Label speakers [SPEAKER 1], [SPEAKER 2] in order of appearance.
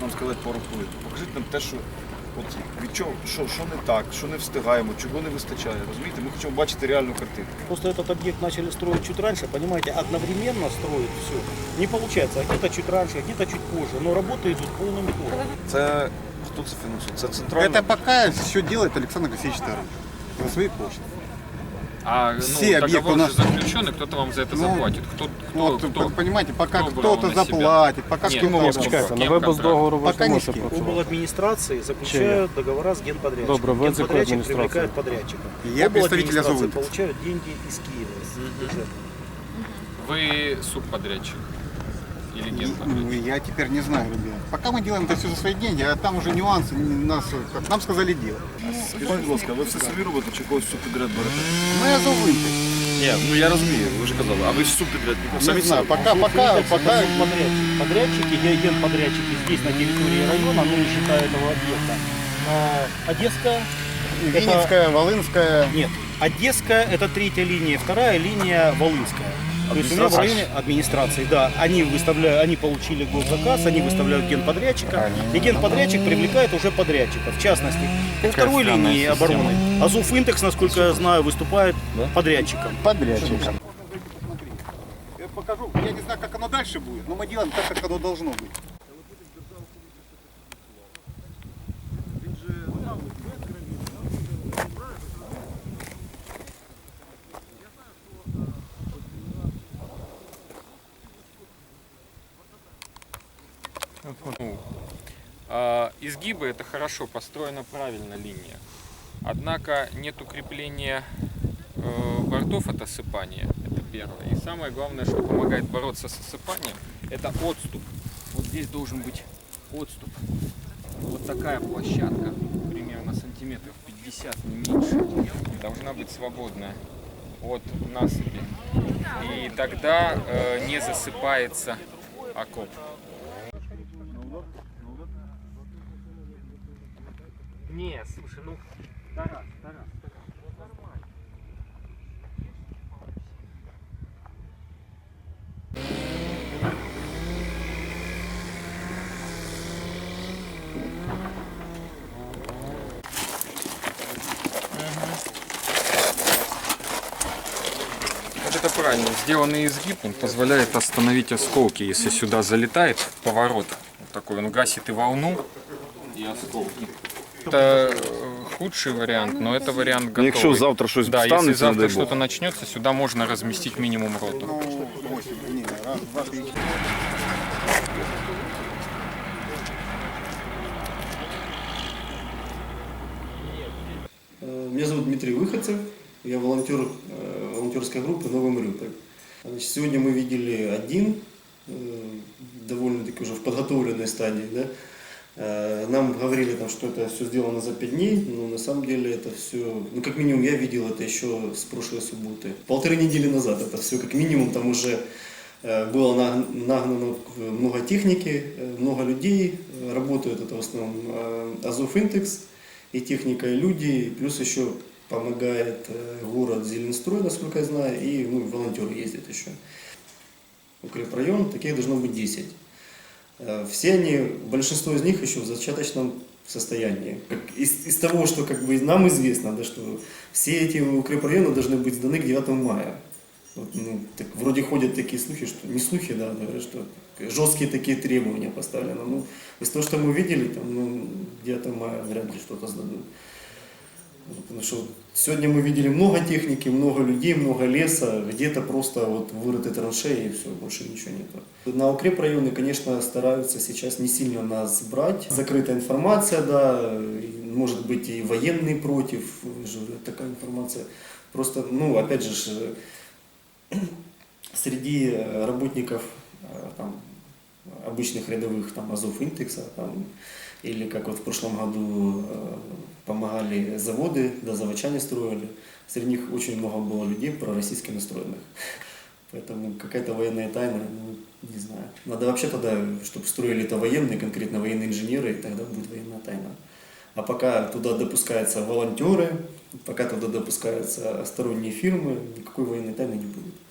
[SPEAKER 1] нам сказати пару хвилин. Покажіть нам те, що від чого, що не так, що не встигаємо, чого не вистачає. Розумієте, ми хочемо бачити реальну картину.
[SPEAKER 2] Просто этот объект начали строить чуть раньше, понимаете, одновременно строить все. Не получается, где-то чуть раньше, где-то чуть позже, но работы идут полным ходом.
[SPEAKER 1] Це хто це фінансує? Це центральний?
[SPEAKER 3] Это пока все делает Александр Алексеевич Таран за свои кошты.
[SPEAKER 4] А
[SPEAKER 3] Все объекты
[SPEAKER 4] договор
[SPEAKER 3] у нас-
[SPEAKER 4] же заключен, и кто-то вам за это заплатит. Вы
[SPEAKER 3] Понимаете, пока
[SPEAKER 4] кто брал
[SPEAKER 3] кто-то
[SPEAKER 4] на себя?
[SPEAKER 3] заплатит, пока
[SPEAKER 4] Нет,
[SPEAKER 3] кто-то...
[SPEAKER 4] ну,
[SPEAKER 5] Чекайте,
[SPEAKER 4] Ким
[SPEAKER 5] на випуск
[SPEAKER 4] контракт?
[SPEAKER 5] договору ви ж
[SPEAKER 3] Пока
[SPEAKER 5] не
[SPEAKER 3] ні
[SPEAKER 5] можете
[SPEAKER 3] з ким.
[SPEAKER 5] працювати.
[SPEAKER 2] Обладминистрации заключают договора с генподрядчиком.
[SPEAKER 5] Добро, вы от какой
[SPEAKER 2] Генподрядчик
[SPEAKER 5] администрации?
[SPEAKER 2] привлекает подрядчика.
[SPEAKER 3] Я представитель
[SPEAKER 2] Обладминистрации
[SPEAKER 3] Азовинтекс.
[SPEAKER 2] получают деньги из Киева, из бюджета.
[SPEAKER 4] Вы субподрядчик или
[SPEAKER 3] Ну,
[SPEAKER 4] генподрядчик?
[SPEAKER 3] я теперь не знаю, ребят. Пока мы делаем это все за свои деньги, а там уже нюансы, как нам сказали, делать.
[SPEAKER 1] Скажіть, будь ласка, ви все самі робите чи когось субпідряд берете?
[SPEAKER 3] Мы Азовинтекс.
[SPEAKER 1] Ні, ну я розумію, ви ж казали, а ви ж субпідрядником самі
[SPEAKER 3] Не знаю,
[SPEAKER 1] себе?
[SPEAKER 3] пока
[SPEAKER 2] Подрядчики, генподрядчики здесь на территории района, ну не считая этого объекта. Одесская.
[SPEAKER 3] Винницкая, Волынская.
[SPEAKER 2] Нет, Одесская это третья линия, вторая линия Волынская. То есть у меня в районе администрации, да, они получили госзаказ, они выставляют генподрядчика, и генподрядчик привлекает уже подрядчика. В частности, по второй линии обороны Азовинтекс, насколько я знаю, выступает подрядчиком.
[SPEAKER 3] Подрядчик. Я покажу, я не знаю, как оно дальше будет, но мы делаем так, как оно должно быть.
[SPEAKER 4] Изгибы это хорошо, построена правильно линия. Однако нет укрепления бортов от осыпания, это первое. И самое главное, что помогает бороться с осыпанием, это отступ. Вот здесь должен быть отступ. Вот такая площадка, примерно сантиметров 50, не меньше, должна быть свободная от насыпи. И тогда не засыпается окоп. Не, слушай, ну, Тарас. Вот это правильно. Сделанный изгиб, он позволяет остановить осколки, если сюда залетает поворот. Вот такой, он гасит и волну, и осколки. Это худший вариант, но это вариант готовый.
[SPEAKER 1] Якщо завтра щось
[SPEAKER 4] Да, если
[SPEAKER 1] станеться, не
[SPEAKER 4] завтра
[SPEAKER 1] дай Бог.
[SPEAKER 4] что-то начнется, сюда можно разместить минимум роту.
[SPEAKER 3] Ну, 8, не, раз, два, три.
[SPEAKER 6] Меня зовут Дмитрий Выходцев, я волонтер волонтерской группы «Новый Мариуполь». Значит, сегодня мы видели один, довольно-таки уже в подготовленной стадии. Да? Нам говорили, там, что это все сделано за 5 дней, но на самом деле это все, ну как минимум я видел это еще с прошлой субботы. 1,5 недели назад это все как минимум, там уже было нагнано много техники, много людей, работают это в основном Азовинтекс и техника, и люди, плюс еще помогает город Зеленстрой, насколько я знаю, и волонтеры ездят еще. Укрепрайон, таких должно быть 10. Все они, большинство из них еще в зачаточном состоянии. Из того, что как бы нам известно, да, что все эти укрепрайоны должны быть сданы к 9 мая. Вот, ну, так, вроде ходят такие слухи, что не слухи, да, говорят, что жесткие такие требования поставлены. Ну, из того, что мы видели, там, ну, 9 мая вряд ли что-то сдадут. Потому что сегодня мы видели много техники, много людей, много леса, где-то просто вот вырыты траншеи и все, больше ничего нет. На укрепрайоны, конечно, стараются сейчас не сильно нас брать. Закрытая информация, да, может быть и военные против, такая информация. Просто, ну, опять же, среди работников там, обычных рядовых там, Азовинтекса, там, или как вот в прошлом году помогали заводы, да, заводчане строили. Среди них очень много было людей пророссийски настроенных. Поэтому какая-то военная тайна, ну, не знаю. Надо вообще тогда, чтобы строили это военные, конкретно военные инженеры, и тогда будет военная тайна. А пока туда допускаются волонтеры, пока туда допускаются сторонние фирмы, никакой военной тайны не будет.